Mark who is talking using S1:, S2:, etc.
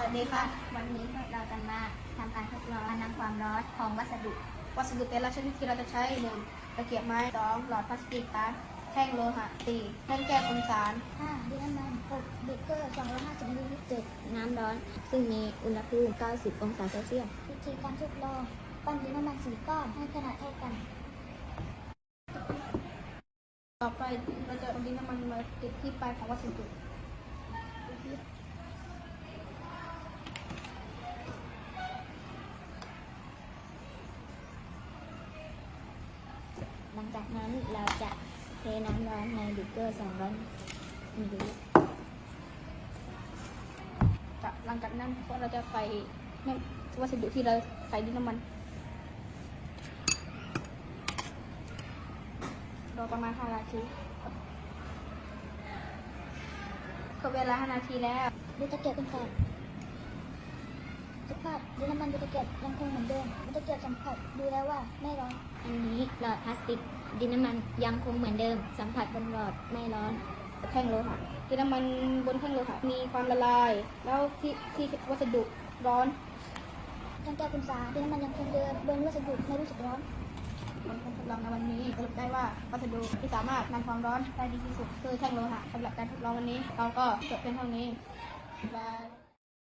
S1: วัสดีค่ะวันนี้เราจะมาทำการทดลองการนำความร้อนของวัสดุแต่ละชนิดที่เราจะใช้1ตะเกียบไม้2หลอดพลาสติก3แท่งโลหะ4แท่งแก้วคุมสาร
S2: 5ดินน้ำมัน6เบเกอร์250มิลลิลิตร7น้ำร้อนซึ่งมีอุณหภูมิ90องศาเซลเซียสวิธีการทดลองปั้นดินน้ำมัน4ก้อนให้ขนาดเท่ากัน
S1: ต่อไปเราจะเอาดินน้ำมันมาติดที่ปลายของวัสดุ
S2: หลังจากนั้นเราจะเทน้ำร้อนในเบเกอร์200มิลลิลิตร
S1: หลังจากนั้นเราจะใส่วัสดุที่เราใส่ดินน้ำมันรอประมาณ5 นาทีครบเวลา5 นาทีแล้ว
S2: ดูตะเกียบเป็นแสบสภาพดินน้ำมันดูตะเกียบยังคงเหมือนเดิมตะเกียบสัมผัสดูแล้วว่าไม่ร้อนอันนี้หลอดพลาสติกดินน้ำมันยังคงเหมือนเดิมสัมผัสบนหลอดไม่ร้อน
S1: แท่งโลหะดินน้ำมันบนแท่งโลหะมีความละลายแล้วที่วัสดุร้อน
S2: แท่งแก้วคุมสารดินน้ำมันยังคงเดิมบนวัสดุไม่รู้สึกร้อน
S1: ผลการทดลองในวันนี้สรุปได้ว่าวัสดุที่สามารถนำความร้อนได้ดีที่สุดคือแท่งโลหะสำหรับการทดลองวันนี้เราก็จบเป็นเท่านี้บาย